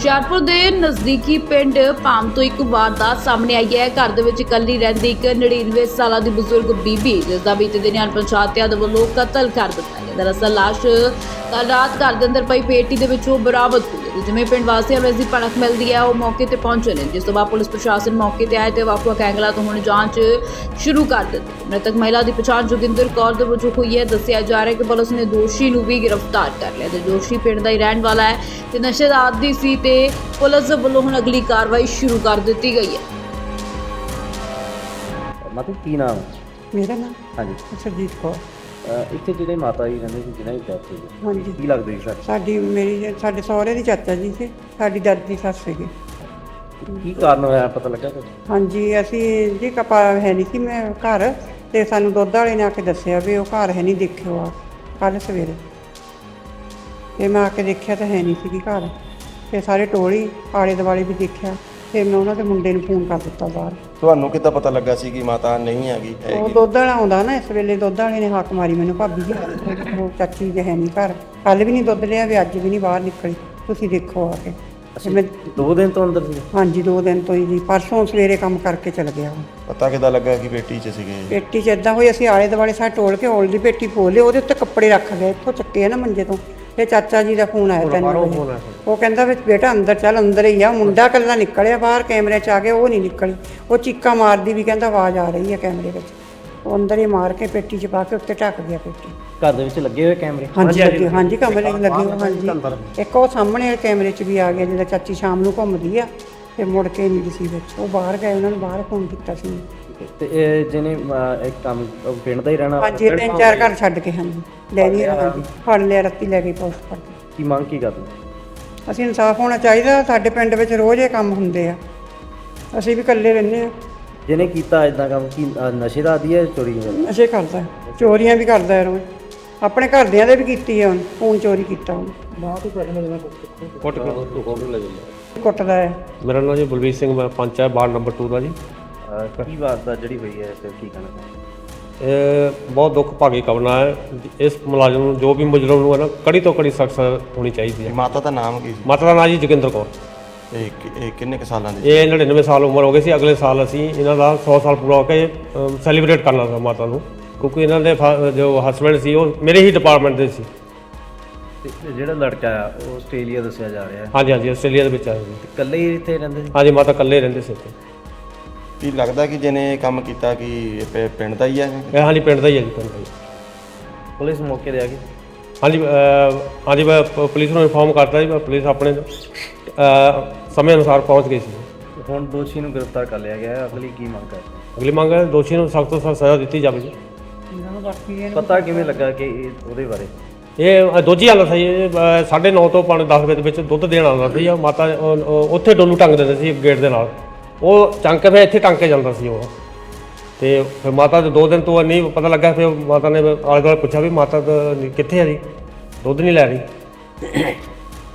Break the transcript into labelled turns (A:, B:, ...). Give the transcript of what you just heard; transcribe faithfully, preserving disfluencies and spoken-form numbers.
A: ਹੁਸ਼ਿਆਰਪੁਰ ਦੇ ਨਜ਼ਦੀਕੀ ਪਿੰਡ ਪਾਮ ਤੋਂ ਇੱਕ ਵਾਰਦਾਤ ਸਾਹਮਣੇ ਆਈ ਹੈ। ਘਰ ਦੇ ਵਿੱਚ ਇਕੱਲੀ ਰਹਿੰਦੀ ਇੱਕ ਨੜਿਨਵੇਂ ਸਾਲਾਂ ਦੀ ਬਜ਼ੁਰਗ ਬੀਬੀ, ਜਿਸ ਦਾ ਬੀਤੇ ਦਿਨ ਅਣਪਛਾਤਿਆਂ ਦੇ ਵੱਲੋਂ ਕਤਲ ਕਰ ਦਿੱਤਾ ਗਿਆ। ਦਰਅਸਲ ਲਾਸ਼ ਕੱਲ੍ਹ ਰਾਤ ਘਰ ਦੇ ਅੰਦਰ ਪਈ ਪੇਟੀ ਦੇ ਵਿੱਚੋਂ ਬਰਾਮਦ ਹੋਈ ਹੈ। ਜਿਵੇਂ ਪਿੰਡ ਵਾਸੀਆਂ ਨੂੰ ਇਸ ਦੀ ਭਣਕ ਮਿਲਦੀ ਹੈ, ਉਹ ਮੌਕੇ ਤੇ ਪਹੁੰਚੇ ਨੇ, ਜਿਸ ਤੋਂ ਬਾਅਦ ਪੁਲਿਸ ਪ੍ਰਸ਼ਾਸਨ ਮੌਕੇ ਤੇ ਆਏ ਤੇ ਵੱਖ-ਵੱਖ ਐਂਗਲਾਂ ਤੋਂ ਹੁਣ ਜਾਂਚ ਸ਼ੁਰੂ ਕਰ ਦਿੱਤੀ। ਮ੍ਰਿਤਕ ਮਹਿਲਾ ਦੀ ਪਛਾਣ ਜੋਗਿੰਦਰ ਕੌਰ ਦੇ ਵਜੋਂ ਹੋਈ ਹੈ। ਦੱਸਿਆ ਜਾ ਰਿਹਾ ਹੈ ਕਿ ਪੁਲਿਸ ਨੇ ਦੋਸ਼ੀ ਨੂੰ ਵੀ ਗ੍ਰਿਫਤਾਰ ਕਰ ਲਿਆ ਤੇ ਦੋਸ਼ੀ ਪਿੰਡ ਦਾ ਹੀ ਰਹਿਣ ਵਾਲਾ ਹੈ ਤੇ ਨਸ਼ੇ ਦਾ ਆਦੀ ਸੀ ਤੇ ਪੁਲਿਸ ਵੱਲੋਂ ਹੁਣ ਅਗਲੀ ਕਾਰਵਾਈ ਸ਼ੁਰੂ ਕਰ ਦਿੱਤੀ ਗਈ ਹੈ।
B: ਮਤਲਬ ਕੀ ਨਾਮ?
C: ਮੇਰਾ ਨਾਮ
B: ਹਾਂਜੀ
C: ਸਰਜੀਤ ਕੌਰ।
B: ਇੱਥੇ ਜਿਹੜੇ ਮਾਤਾ ਜੀ ਰਹਿੰਦੇ ਸੀ ਜਿਹਨਾਂ ਦੀ ਡੈਥ ਹੋਈ,
C: ਹਾਂਜੀ।
B: ਕੀ ਲੱਗਦਾ ਜੀ ਸਰ?
C: ਸਾਡੀ ਮੇਰੀ ਸਾਡੇ ਸਹੁਰੇ ਦੀ ਚਾਚਾ ਜੀ ਸੀ, ਸਾਡੀ ਦਾਦੀ ਦੀ ਸੱਸ ਸੀਗੀ।
B: ਕੀ ਕਾਰਨ ਹੋਇਆ ਪਤਾ ਲੱਗਾ ਕੁਝ?
C: ਹਾਂਜੀ, ਅਸੀਂ ਜੀ ਕਪਾ ਹੈ ਨਹੀਂ ਸੀ ਮੈਂ ਘਰ, ਤੇ ਸਾਨੂੰ ਦੁੱਧ ਵਾਲੇ ਨੇ ਆ ਕੇ ਦੱਸਿਆ ਵੀ ਉਹ ਘਰ ਹੈ ਨਹੀਂ, ਦੇਖਿਓ ਆ ਕੱਲ੍ਹ ਸਵੇਰੇ। ਤੇ ਮੈਂ ਆ ਕੇ ਦੇਖਿਆ ਤਾਂ ਹੈ ਨਹੀਂ ਸੀਗੀ ਘਰ। ਤੇ ਸਾਰੇ ਟੋਲੀ ਆਲੇ ਦੁਆਲੇ ਵੀ ਦੇਖਿਆ। ਫਿਰ ਮੈਂ ਉਹਨਾਂ ਦੇ ਮੁੰਡੇ ਨੂੰ ਫੋਨ ਕਰ ਦਿੱਤਾ ਬਾਹਰ।
D: ਤੁਹਾਨੂੰ ਕਿੱਦਾਂ ਪਤਾ ਲੱਗਾ ਸੀ ਕਿ ਮਾਤਾ ਨਹੀਂ ਹੈਗੀ?
C: ਉਹ ਦੁੱਧ ਵਾਲਾ ਆਉਂਦਾ ਨਾ, ਇਸ ਵੇਲੇ ਦੁੱਧ ਵਾਲੇ ਨੇ ਹੱਕ ਮਾਰੀ ਮੈਨੂੰ, ਭਾਬੀ ਜੀ ਉਹ ਚਾਚੀ ਜੀ ਹੈ ਨਹੀਂ ਘਰ, ਕੱਲ੍ਹ ਵੀ ਨਹੀਂ ਦੁੱਧ ਲਿਆ ਵੀ ਅੱਜ ਵੀ ਨਹੀਂ ਬਾਹਰ ਨਿਕਲੀ, ਤੁਸੀਂ ਦੇਖੋ ਆ ਕੇ। ਤੇ ਮੈਂ
B: ਦੋ ਦਿਨ ਤੋਂ ਅੰਦਰ ਸੀ?
C: ਹਾਂਜੀ, ਦੋ ਦਿਨ ਤੋਂ ਹੀ ਜੀ। ਪਰਸੋਂ ਸਵੇਰੇ ਕੰਮ ਕਰਕੇ ਚਲ ਗਿਆ ਉਹ।
D: ਪਤਾ ਕਿੱਦਾਂ ਲੱਗਾ ਕਿ ਪੇਟੀ 'ਚ ਸੀਗੇ?
C: ਪੇਟੀ 'ਚ ਇੱਦਾਂ ਹੋਈ, ਅਸੀਂ ਆਲੇ ਦੁਆਲੇ ਸਾਰੇ ਟੋਲ ਕੇ ਔਲ ਦੀ ਪੇਟੀ ਖੋਲ੍ਹੀ, ਉਹਦੇ ਉੱਤੇ ਕੱਪੜੇ ਰੱਖ ਗਏ, ਇੱਥੋਂ ਚੱਕੇ ਆ ਨਾ ਮੰਜੇ ਤੋਂ। ਫਿਰ ਚਾਚਾ ਜੀ ਦਾ ਫੋਨ ਆਇਆ ਤਿੰਨ ਵਜੇ, ਉਹ ਕਹਿੰਦਾ ਵੀ ਬੇਟਾ ਅੰਦਰ ਚੱਲ, ਅੰਦਰ ਹੀ ਆ। ਮੁੰਡਾ ਇਕੱਲਾ ਨਿਕਲਿਆ ਬਾਹਰ, ਕੈਮਰੇ 'ਚ ਆ ਕੇ ਉਹ ਨਹੀਂ ਨਿਕਲੀ। ਉਹ ਚੀਕਾਂ ਮਾਰਦੀ ਵੀ ਕਹਿੰਦਾ ਆਵਾਜ਼ ਆ ਰਹੀ ਹੈ ਕੈਮਰੇ ਵਿੱਚ। ਉਹ ਅੰਦਰ ਹੀ ਮਾਰ ਕੇ ਪੇਟੀ 'ਚ ਪਾ ਕੇ ਉੱਤੇ ਢੱਕ ਗਿਆ ਪੇਟੀ।
B: ਘਰ ਦੇ ਵਿੱਚ ਲੱਗੇ ਹੋਏ ਕੈਮਰੇ?
C: ਹਾਂਜੀ ਲੱਗੇ, ਹਾਂਜੀ ਕਮਰੇ 'ਚ ਲੱਗੇ ਹੋਏ, ਹਾਂਜੀ। ਇੱਕ ਉਹ ਸਾਹਮਣੇ ਵਾਲੇ ਕੈਮਰੇ 'ਚ ਵੀ ਆ ਗਿਆ, ਜਿਹਦਾ ਚਾਚੀ ਸ਼ਾਮ ਨੂੰ ਘੁੰਮਦੀ ਆ ਤੇ ਮੁੜ ਕੇ ਨਹੀਂ ਸੀ ਵਿੱਚ। ਉਹ ਬਾਹਰ ਗਏ, ਉਹਨਾਂ ਨੂੰ ਬਾਹਰ ਫੋਨ ਕੀਤਾ ਸੀ।
B: ਤੇ ਇਹ ਜਿਹਨੇ ਇੱਕ ਕੰਮ ਪਿੰਡ ਦਾ ਹੀ ਰਹਿਣਾ?
C: ਹਾਂਜੀ, ਤਿੰਨ ਚਾਰ ਘਰ ਛੱਡ ਕੇ। ਹਾਂਜੀ, ਲੈ ਨਹੀਂ ਹਾਂਜੀ, ਫੜ ਲਿਆ, ਰਾਤੀ ਲੈ ਗਏ ਪੁਲਿਸ ਫੜ ਕੇ।
B: ਕੀ ਮੰਗ ਕੀ ਕਰਦੇ?
C: ਅਸੀਂ ਇਨਸਾਫ ਹੋਣਾ ਚਾਹੀਦਾ। ਸਾਡੇ ਪਿੰਡ ਵਿੱਚ ਰੋਜ਼ ਇਹ ਕੰਮ ਹੁੰਦੇ ਆ, ਅਸੀਂ ਵੀ ਇਕੱਲੇ ਰਹਿੰਦੇ ਆ।
B: ਜਿਹਨੇ ਕੀਤਾ ਇਦਾਂ ਕੰਮ ਕੀ ਨਸ਼ੇ ਦਾ ਆਦੀ ਹੈ? ਚੋਰੀ
C: ਨਸ਼ੇ ਕਰਦਾ, ਚੋਰੀਆਂ ਵੀ ਕਰਦਾ ਰੋਜ਼। ਆਪਣੇ ਘਰਦਿਆਂ ਦੇ ਵੀ ਕੀਤੀ ਹੈ, ਹੁਣ ਫੋਨ ਚੋਰੀ ਕੀਤਾ ਉਹਨੇ।
E: ਕੁੱਟ
C: ਕੁੱਟਦਾ ਹੈ।
E: ਮੇਰਾ ਨਾਮ ਜੀ ਬਲਵੀਰ ਸਿੰਘ, ਮੈਂ ਪੰਚ ਹੈ ਵਾਰਡ ਨੰਬਰ ਦੋ ਦਾ ਜੀ।
B: ਕੀ ਵਾਰਦਾਤ ਜਿਹੜੀ ਹੋਈ ਹੈ ਤੇ ਕੀ ਕਹਿਣਾ ਚਾਹੁੰਦੇ?
E: ਇਹ ਬਹੁਤ ਦੁੱਖ ਭਾਗੀ ਘਟਨਾ ਹੈ। ਇਸ ਮੁਲਾਜ਼ਮ ਨੂੰ, ਜੋ ਵੀ ਮੁਜਰਮ ਨੂੰ ਹੈ ਨਾ, ਕੜੀ ਤੋਂ ਕੜੀ ਸਖਤ ਹੋਣੀ ਚਾਹੀਦੀ ਹੈ।
D: ਮਾਤਾ ਦਾ ਨਾਮ ਕੀ ਸੀ?
E: ਮਾਤਾ ਦਾ ਨਾਂ ਜੀ ਜੋਗਿੰਦਰ ਕੌਰ।
D: ਇਹ ਕਿ- ਇਹ ਕਿੰਨੇ ਕੁ ਸਾਲਾਂ ਦੀ?
E: ਇਹ ਨੜਿਨਵੇਂ ਸਾਲ ਉਮਰ ਹੋ ਗਈ ਸੀ। ਅਗਲੇ ਸਾਲ ਅਸੀਂ ਇਹਨਾਂ ਦਾ ਸੌ ਸਾਲ ਪੂਰਾ ਹੋ ਕੇ ਸੈਲੀਬ੍ਰੇਟ ਕਰਨਾ ਸੀ ਮਾਤਾ ਨੂੰ, ਕਿਉਂਕਿ ਇਹਨਾਂ ਦੇ ਫਾ- ਜੋ ਹਸਬੈਂਡ ਸੀ ਉਹ ਮੇਰੇ ਹੀ ਡਿਪਾਰਟਮੈਂਟ ਦੇ ਸੀ।
B: ਤੇ ਜਿਹੜਾ ਲੜਕਾ ਆ ਉਹ ਆਸਟ੍ਰੇਲੀਆ ਦੱਸਿਆ ਜਾ ਰਿਹਾ ਹੈ?
E: ਹਾਂਜੀ ਹਾਂਜੀ, ਆਸਟ੍ਰੇਲੀਆ ਦੇ ਵਿੱਚ ਆਏ ਜੀ।
B: ਇਕੱਲੇ ਹੀ ਇੱਥੇ ਰਹਿੰਦੇ ਸੀ?
E: ਹਾਂਜੀ, ਮਾਤਾ ਇਕੱਲੇ ਰਹਿੰਦੇ ਸੀ ਇੱਥੇ।
D: ਕੀ ਲੱਗਦਾ ਕਿ ਜਿਹਨੇ ਇਹ ਕੰਮ ਕੀਤਾ ਕਿ ਇਹ ਪਿ- ਪਿੰਡ ਦਾ ਹੀ ਹੈ?
E: ਇਹ ਹਾਂਜੀ ਪਿੰਡ ਦਾ ਹੀ ਹੈ ਜੀ, ਪਿੰਡ ਦਾ ਹੀ।
B: ਪੁਲਿਸ ਮੌਕੇ ਤੇ ਆ ਗਈ?
E: ਹਾਂਜੀ ਅਹ ਹਾਂਜੀ, ਮੈਂ ਪ- ਪੁਲਿਸ ਨੂੰ ਇਨਫੋਰਮ ਕਰਤਾ ਜੀ। ਪੁਲਿਸ ਆਪਣੇ ਅਹ ਸਮੇਂ ਅਨੁਸਾਰ ਪਹੁੰਚ ਗਈ ਸੀ।
B: ਹੁਣ ਦੋਸ਼ੀ ਨੂੰ ਗ੍ਰਿਫਤਾਰ ਕਰ ਲਿਆ ਗਿਆ ਹੈ। ਅਗਲੀ ਕੀ ਮੰਗ ਕਰਦੇ?
E: ਅਗਲੀ ਮੰਗ ਹੈ ਦੋਸ਼ੀ ਨੂੰ ਸਖਤ ਤੋਂ ਸਖਤ ਸਜ਼ਾ ਦਿੱਤੀ ਜਾਵੇ ਜੀ।
B: ਪਤਾ ਕਿਵੇਂ ਲੱਗਾ ਕਿ ਇਹ ਉਹਦੇ ਬਾਰੇ?
E: ਇਹ ਦੋਜੀ ਆਉਂਦਾ ਸੀ, ਇਹ ਸਾਢੇ ਨੌ ਤੋਂ ਪੌਣੇ ਦਸ ਵਜੇ ਦੇ ਵਿੱਚ ਦੁੱਧ ਦੇਣ ਆਉਂਦਾ ਸੀ। ਉਹ ਮਾਤਾ ਉਹ- ਉਹ ਉੱਥੇ ਡੋਲੂ ਟੰਗ ਦਿੰਦੇ ਸੀ ਗੇਟ ਦੇ ਨਾਲ, ਉਹ ਚੰਕ ਕੇ ਫਿਰ ਇੱਥੇ ਟੰਗ ਕੇ ਜਾਂਦਾ ਸੀ ਉਹ। ਤੇ ਫਿਰ ਮਾਤਾ ਦੇ ਦੋ ਦਿਨ ਤੋਂ ਨਹੀਂ ਪਤਾ ਲੱਗਾ। ਫਿਰ ਮਾਤਾ ਨੇ ਆਲੇ ਦੁਆਲੇ ਪੁੱਛਿਆ ਵੀ ਮਾਤਾ ਤਾਂ ਕਿੱਥੇ ਹੈ ਜੀ, ਦੁੱਧ ਨਹੀਂ ਲੈ ਰਹੀ।